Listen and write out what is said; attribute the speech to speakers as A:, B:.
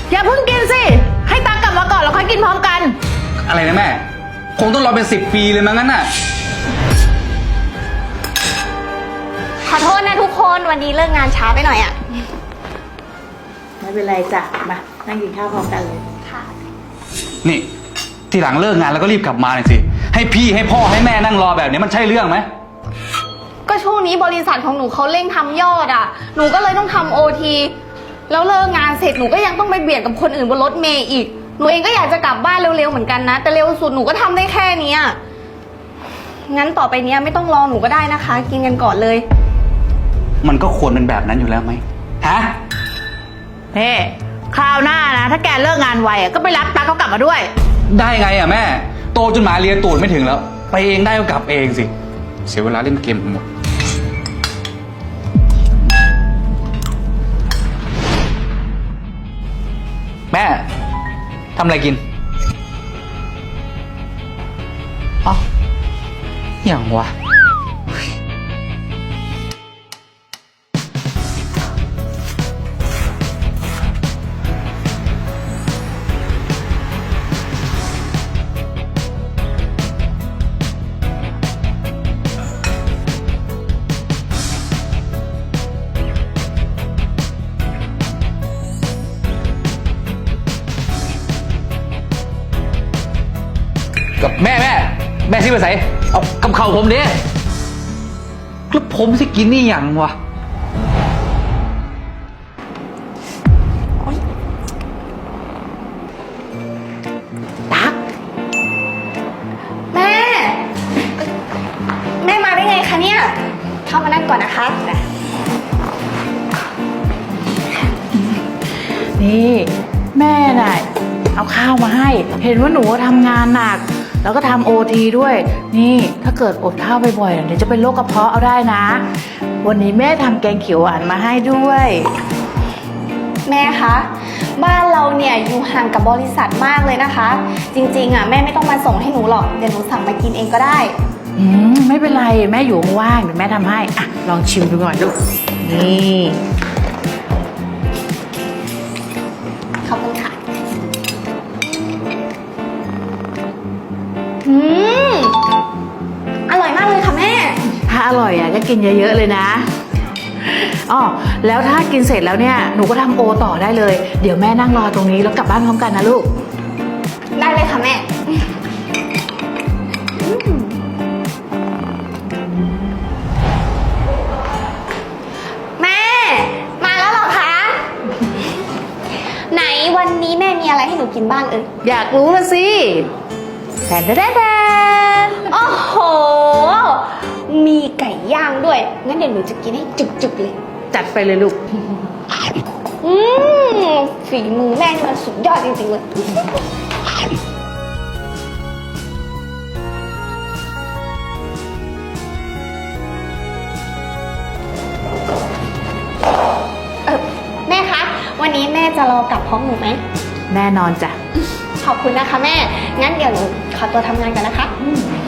A: อย่าเพิ่งกินสิให้ตังกลับมาก่อนแล้วค่อยกินพร้อมกัน
B: อะไรนะแม่คงต้องรอเป็น10 ปีเลยมั้งงั้นน่ะ
C: ขอโทษนะทุกคนวันนี้เลิกงานช้าไปหน่อยอะ
A: ไม่เป็นไรจ้ะมานั่งกินข้าวพร้อมกันเลย
C: ค่ะ
B: นี่ทีหลังเลิกงานแล้วก็รีบกลับมาหน่อยสิให้พี่ให้พ่อให้แม่นั่งรอแบบนี้มันใช่เรื่องไหม
C: ก็ช่วงนี้บริษัทของหนูเขาเร่งทำยอดอะหนูก็เลยต้องทำOTแล้วเลิกงานเสร็จหนูก็ยังต้องไปเบียดกับคนอื่นบนรถเมล์อีกหนูเองก็อยากจะกลับบ้านเร็วๆเหมือนกันนะแต่เร็วสุดหนูก็ทำได้แค่นี้งั้นต่อไปเนี้ยไม่ต้องรอหนูก็ได้นะคะกินกันก่อนเลย
B: มันก็ควรเป็นแบบนั้นอยู่แล้วไหมฮะ
A: เฮ้คราวหน้านะถ้าแกเลิกงานไวก็ไปรับตั๊กเขากลับมาด้วย
B: ได้ไงอ่ะแม่โตจนหมาเลียตูดไม่ถึงแล้วไปเองได้ก็กลับเองสิเสียเวลาเล่นเกมหมดแม่ทำอะไรกินอ๋ออย่างวะกับแม่สิไปใส่เอากับเข่าผมดิแล้วผมสิกินนี่อย่างวะ
A: ตั๊ก
C: แม่มาได้ไงคะเนี่ยเข้ามานั่งก่อนนะคะ
A: นี่แม่น่ะเอาข้าวมาให้เห็นว่าหนูทำงานหนักแล้วก็ทำOTด้วยนี่ถ้าเกิดอดข้าวบ่อยๆเดี๋ยวจะเป็นโรคกระเพาะเอาได้นะวันนี้แม่ทำแกงเขียวหวานมาให้ด้วย
C: แม่คะบ้านเราเนี่ยอยู่ห่างกับบริษัทมากเลยนะคะจริงๆแม่ไม่ต้องมาส่งให้หนูหรอกเดี๋ยวหนูสั่งมากินเองก็ได้
A: ไม่เป็นไรแม่อยู่ว่างเดี๋ยวแม่ทำให้อ่ะลองชิมดูก่อนลูกนี่
C: ขอบคุณค่ะอร่อยมากเลยค่ะแม่
A: ถ้าอร่อยก็กินเยอะๆเลยนะอ๋อแล้วถ้ากินเสร็จแล้วเนี่ยหนูก็ทำโอต่อได้เลยเดี๋ยวแม่นั่งรอตรงนี้แล้วกลับบ้านพร้อมกันนะลูก
C: ได้เลยค่ะแม่แม่มาแล้วเหรอคะไหนวันนี้แม่มีอะไรให้หนูกินบ้าง
A: อยากรู้ละสิแทน
C: โอ้โหมีไก่ย่างด้วยงั้นเดี๋ยวหนูจะกินให้จุกๆเลย
A: จัดไปเลยลูก
C: ฝีมือแม่นี่มันสุดยอดจริงๆเลยแม่คะวันนี้แม่จะรอกลับพร้อมหนูไหม
A: แน่นอนจ้ะ
C: ขอบคุณนะคะแม่งั้นเดี๋ยวหนูขอตัวทำงานกันนะคะ